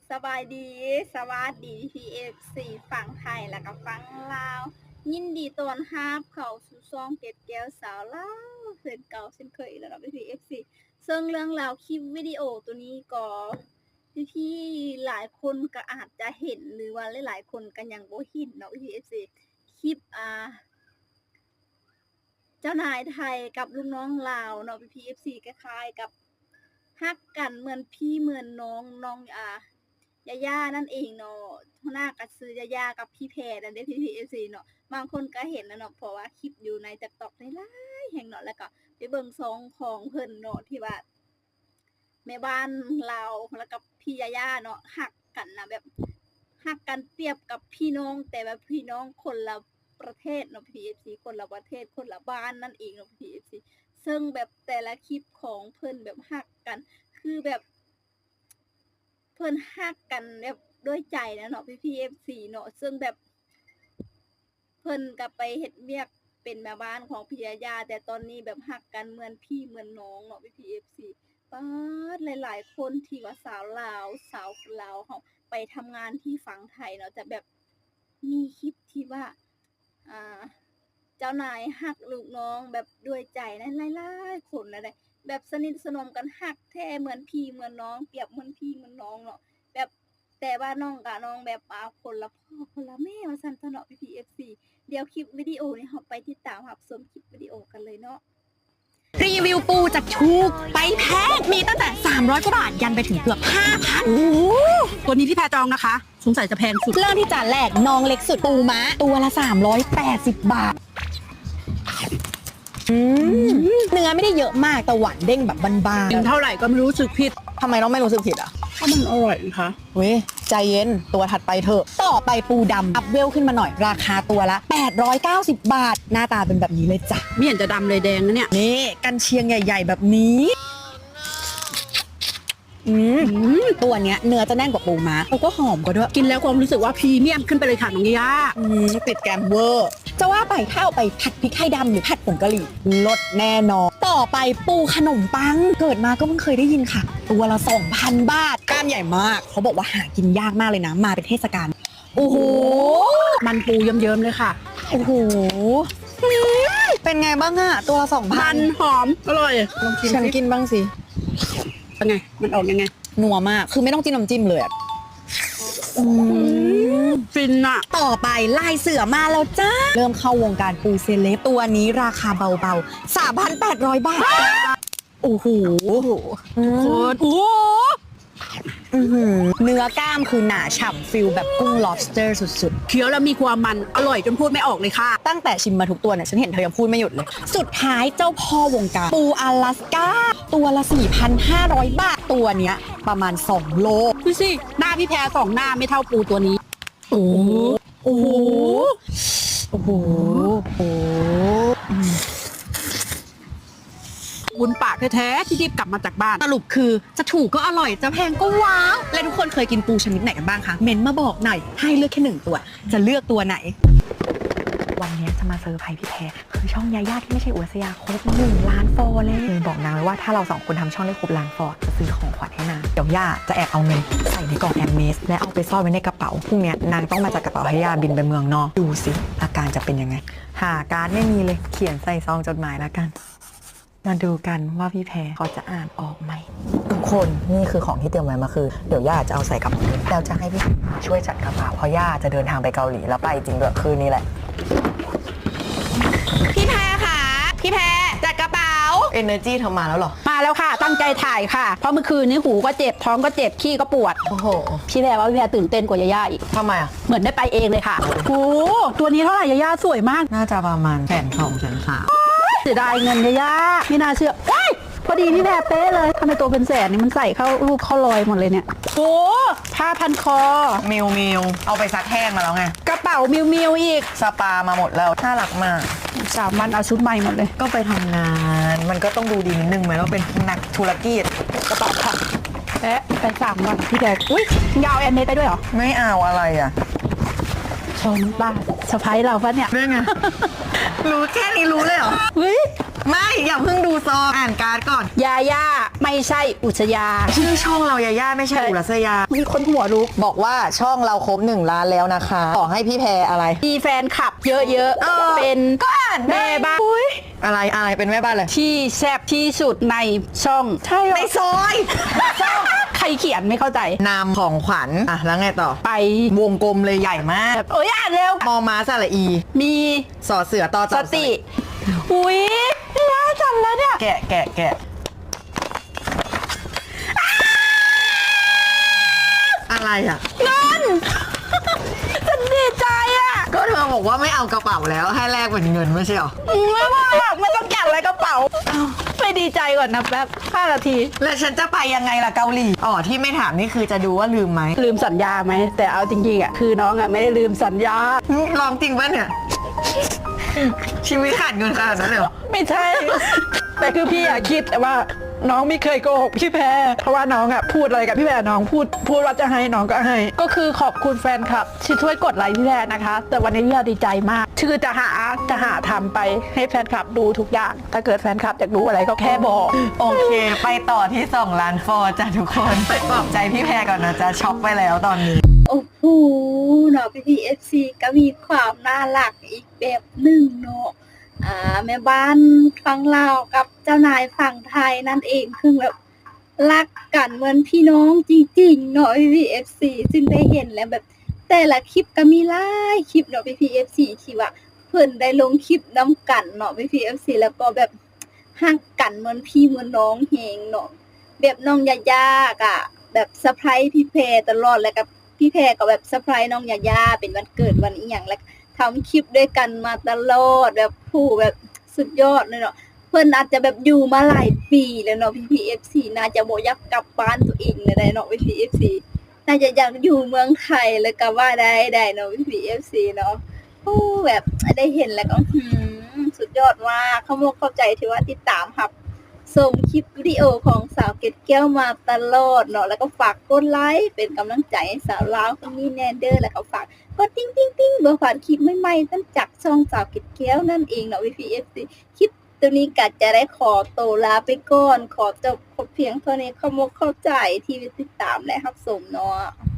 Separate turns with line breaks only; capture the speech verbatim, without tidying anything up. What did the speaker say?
สบายดีสวัสดีพีเอฟซีฝั่งไทยแล้วก็ฝั่งลาวยินดีต้อนรับเข้าสู่ช่องเก็ดแก้วสาวลาวเช่นเก่าเช่นเคยแล้วเนาะพีเอฟซีซึ่งเรื่องราวคลิปวิดีโอตัวนี้ก็พี่ๆหลายคนก็อาจจะเห็นหรือว่าหลายๆคนก็ยังบ่เห็นเนาะพีเอฟซีคลิปอ่าเจ้านายไทยกับลูกน้องลาวเนาะพีเอฟซีคล้ายๆกับฮักกันเหมือนพี่เหมือนน้องน้องอ่ายาย่านั่นเองเนาะหัวหน้าก็ซื้อยาย่ากับพี่แพรนั่นเด้พี่ พี เอฟ ซี เนาะบางคนก็เห็นแล้วเนาะเพราะว่าคลิปอยู่ใน TikTok หลายๆแห่งเนาะแล้วก็ไปเบิ่งซองของเพิ่นเนาะที่ว่าแม่บ้านเราแล้วก็พี่ยาย่าเนาะฮักกันนะแบบฮักกันเปรียบกับพี่น้องแต่แบบพี่น้องคนละประเทศเนาะ พี เอฟ ซี คนละประเทศคนละบ้านนั่นเองเนาะ พี เอฟ ซี ซึ่งแบบแต่ละคลิปของเพิ่นแบบฮักกันคือแบบเพิ่นฮักกันแบบด้วยใจนะเนาะพี่พีเอฟซีเนาะซึ่งแบบเพิ่นก็ไปเฮ็ดเวียกเป็นแม่บ้านของพี่ยาย่าแต่ตอนนี้แบบฮักกันเหมือนพี่เหมือนน้องเนาะพี่พีเอฟซีป๊าดหลายๆคนที่ว่าสาวลาวสาวลาวเฮาไปทำงานที่ฝั่งไทยเนาะแต่แบบมีคลิปที่ว่าอ่าเจ้านายฮักลูกน้องแบบด้วยใจนะหลายๆคนนะได้แบบสนิทสนมกันฮักแท้เหมือนพี่เหมือนน้องเปรียบเหมือนพี่เหมือนน้องเนาะแบบแต่ว่าน้องกับน้องแบบอ่าคนละพ่อคนละแม่ว่าซั่นซะเนาะ พี พี เอฟ ซี เดี๋ยวคลิปวิดีโอนี้เราไปติดตามรับชมคลิปวิดีโอกันเลยเนาะ
รีวิวปูจากถูกไปแพงมีตั้งแต่สามร้อยกว่าบาทยันไปถึงเกือบ ห้าพัน
โอ้ตัวนี้ที่แพรจองนะคะสงสัยจะแพงสุด
เริ่มที่จานแรกน้องเล็กสุดปูม้าตัวละสามร้อยแปดสิบบาทเนื้อไม่ได้เยอะมากแต่หวานเด้งแบบบาน
กินเท่าไหร่ก็ไม่รู้สึกผิด
ๆทำไมน้องไม่รู้สึกผิดอ่ะ
เพราะมันอร่อยนะคะ
เว้ยใจเย็นตัวถัดไปเถอะต่อไปปูดำอัพเวลขึ้นมาหน่อยราคาตัวละแปดร้อยเก้าสิบบาทหน้าตาเป็นแบบนี้เลยจ้ะ
ไม่เห็นจะดำเลยแดงนะเนี่ย
นี่กันเชียงใหญ่ ๆ แบบนี้อืมตัวเนี้ยเนื้อจะแน่นกว่าปูม้าแล้วก็หอมกว่าด้วย
กินแล้วความรู้สึกว่าพรีเมียมขึ้นไปเลยค่ะน้องย่า
อืมติดแกมเวอร์จะว่าไปถ้าเอาไปผัดพริกไทยดำหรือผัดผงกะหรี่ลดแน่นอนต่อไปปูขนมปังเกิดมาก็เพิ่งเคยได้ยินค่ะ ตัวละ สองพัน บาทกล้ามใหญ่มากเขาบอกว่าหากินยากมากเลยนะมาเป็นเทศกาลโอ้โห
มันปูเยิ้มๆเลยค่ะ
โอ้โหเป็นไงบ้างอะตัวละสองพั
มัน นหอมอร่อยลองชิม
ฉัน
สิ
กินบ้างสิ
เป็นไงมันออกยังไง
นัวมากคือไม่ต้องจิ้มน้ำจิ้มเลยอะอืม
ฟินอะ
ต่อไปลายเสือมาแล้วจ้า เริ่มเข้าวงการปูเซเลบตัวนี้ราคาเบาๆ สามพันแปดร้อย บาท โอ้โห
โคตรโอ้
อื้อหือเนื้อกล้ามคือหนาฉ่ำฟิลแบบกุ้ง lobster สุด
เคี้ยวแล้วมีความมันอร่อยจนพูดไม่ออกเลยค่ะ
ๆ ตั้งแต่ชิมมาทุกตัวเนี่ย ฉันเห็นเธอยังพูดไม่หยุดเลย สุดท้ายเจ้าพ่อวงการ ปูอลาสก้า ตัวละ สี่พันห้าร้อย บาท ตัวเนี้ยประมาณ สอง โล
ดูสิหน้าพี่แพรสองหน้าไม่เท่าปูตัวนี้ โอ้โอ้
โอ้โห โอ้โห
บุญปากแท้ๆที่รีบกลับมาจากบ้าน
สรุปคือจะถูกก็อร่อยจะแพงก็ว้าว และทุกคนเคยกินปูชนิดไหนกันบ้างคะเมนต์มาบอกหน่อยให้เลือกแค่หนึ่งตัว จะเลือกตัวไหน วันนี้จะมาเซอร์ไพรส์พี่แพรคือช่องยาย่าที่ไม่ใช่อวสยาครบหนึ่งล้านฟอลเลยเลยบอกนางเลยว่าถ้าเราสองคนทำช่องได้ครบล้านฟอลจะซื้อของขวัญให้นางเดี๋ยวย่าจะแอบเอาเงินใส่ในกล่องแอมเมสและเอาไปซ่อนไว้ในกระเป๋าพรุ่งนี้นางต้องมาจากกระเป๋าให้ย่าบินไปเมืองนอกดูสิอาการจะเป็นยังไงหาการ์ดไม่มีเลยเขียนใส่ซองจดหมายแล้วกันมาดูกันว่าพี่แพรเขาจะอ่านออกไหมทุกคนนี่คือของที่เตรียมไว้มาคือเดี๋ยวย่าจะเอาใส่กระเป๋าแล้วจะให้พี่ช่วยจัดกระเป๋าเพราะย่าจะเดินทางไปเกาหลีแล้วไปจริงด้วยคืนนี้แหละพี่แพรค่ะพี่แพรจัดกระเป๋า Energy เธอมาแล้วเหรอ
มาแล้วค่ะตั้งใจถ่ายค่ะเพราะเมื่อคืนนี้หูก็เจ็บท้องก็เจ็บขี้ก็ปวด
โอ้โห
พี่แพรว่าพี่แพรตื่นเต้นกว่ายาย่าอีก
ทำไมอ่ะ
เหมือนได้ไปเองเลยค่ะโอ้ตัวนี้เท่าไหร่ยาย่าสวยมาก
น่าจะประมาณแสนสองแสนสาม
เสียดายเงินยาย่าไม่น่าเชื่อว้ายพอดีพี่แพรเป๊ะเลยทำไมตัวเป็นแสนนี่มันใส่เข้ารูปเข้ารอยหมดเลยเนี่ยโอ้ผ้าพันคอ
มิวมิวเอาไปซักแห้งมาแล้วไง
กระเป๋ามิวมิวอีก
สปามาหมดแล้วน่ารักมาก
สามวันเอาชุดใหม่หมดเลย
ก็ไปทำงาน มันก็ต้องดูดีนิดนึงไหมว่าเป็นนักธุรกิจ
กระเป๋าค่ะแปะไปสามวันพี่แพรอุ้ยยาวแอนเนตได้ด้วยเหรอ
ไม่เอาอะไรอ่ะ
ชมบ้าสะพ้ายเราปะเนี่ย
เรื่องไง รู้แค่นี้รู้เลยเหรอ
เฮ้ย
ไม่อย่าเพิ่งดูซองอ่านการ์ดก่อน
ยาย่าไม่ใช่อุชยา
ชื่อช่องเรายาย่าไม่ใช่อุรัสยา
มีคนหัวลุก
บอกว่าช่องเราครบหนึ่งล้านแล้วนะคะขอให้พี่แพรอะไร
มีแฟนคลับเยอะ
เออ
ๆ เป็น
ก็อ่านได้
แม่บ้านอุ๊ย
อะไรอะไรเป็นแม่บ้านเลย
ที่แซ่บที่สุดในช่องใช่เหรอ
ในซอย
ใครเขียนไม่เข้าใจ
นามของขวัญอ่ะแล้วไงต่อ
ไป
วงกลมเลยใหญ่มาก
แบบเอ้ยอ่านเร็ว
มอม้าสระอี
มี
สอเสือต่อ
ส
จับ
ติ อุ้ยน่าจำแล้วเนี่ย
แกะแกะแกะอะไรอ่ะ
เงิน ฉันดีใจอ่ะ
ก็เธอบอกว่าไม่เอากระเป๋าแล้วให้แลกเป็นเงินไม่ใช่หรอ
ไม่ว่าหรอกไม่ต้องจัดอะไรกระเป๋าอ้าวไปดีใจก่อนนะแป๊บห้านาที
แล้วฉันจะไปยังไงล่ะเกาหลีอ๋อที่ไม่ถามนี่คือจะดูว่าลืมไหม
ลืมสัญญาไหม แต่เอาจริงๆอ่ะคือน้องอ่ะไม่ได้ลืมสัญญา
ลองจริงป่ะเนี่ย ชีวิตขาดเงินขนาดนั้นเลยเหรอ
ไม่ใช่ แต่คือพี่อะคิดว่าน้องไม่เคยโกหกพี่แพรเพราะว่าน้องอะพูดอะไรกับพี่แพรน้องพูดพูดว่าจะให้น้องก็ให้ ก็คือขอบคุณแฟนคลับที่ช่วยกดไลค์พี่แพรนะคะ แต่วันนี้พี่แพรดีใจมากคือจะหาจะหาทำไปให้แฟนคลับดูทุกอย่าง ถ้าเกิดแฟนคลับอยากรู้อะไรก็แค่บอก
โอเค ไปต่อที่สองล้านฟอร์จ้ะทุกคนไปปลอบใจพี่แพรก่อนนะจ๊ะช็อกไปแล้วตอนนี้
โอ้โหเนาะพี่พีเอฟซีก็มีความน่ารักอีกแบบหนึ่งเนาะอ่าแม่บ้านฝั่งลาวกับเจ้านายฝั่งไทยนั่นเองคือแบบรักกันเหมือนพี่น้องจริงๆเนาะพี่พีเอฟซีซึ่งได้เห็นแล้วแบบ แต่ละคลิปก็มีหลายคลิปเนาะพี่พีเอฟซีที่ว่าเพิ่นได้ลงคลิปน้ำกันเนาะพี่พีเอฟซีแล้วก็แบบฮักกันเหมือนพี่เหมือนน้องเฮงเนาะแบบน้องยายาอะแบบเซอร์ไพรส์พี่แพรตลอดแล้วก็พี่แพรก็แบบเซอร์ไพรส์น้องยายาเป็นวันเกิดวันอีหยังแล้วทำคลิปด้วยกันมาตลอดแบบผู้แบบสุดยอดเลยเนาะเพิ่นอาจจะแบบอยู่มาหลายปีแล้วเนาะพี่พีเอฟซีน่าจะบ่อยากกลับบ้านตัวเองเลยได้เนาะพี่พีเอฟซีน่าจะอยากอยู่เมืองไทยเลยก็ว่าได้ได้เนาะพี่พีเอฟซีเนาะโอ้แบบได้เห็นแล้วก็หืมสุดยอดมากเขาบอกเข้าใจที่ว่าติดตามครับส่งคลิปวิดีโอของสาวเกดแก้วมาตลอดเนาะแล้วก็ฝากกดไลค์เป็นกำลังใจให้สาวลาวคนนี้แน่เด้อแล้วก็ฝากกดติ๊งติ๊งติ๊งเบอร์ผ่านคลิปใหม่ๆตั้งจากช่องสาวเกดแก้วนั่นเองเนาะ วี พี เอฟ ซี คลิปตัวนี้ก็จะได้ขอตัวลาไปก่อนขอจบเพียงเท่านี้ขอมกเข้าใจที่ติดตามและรับชมเนาะ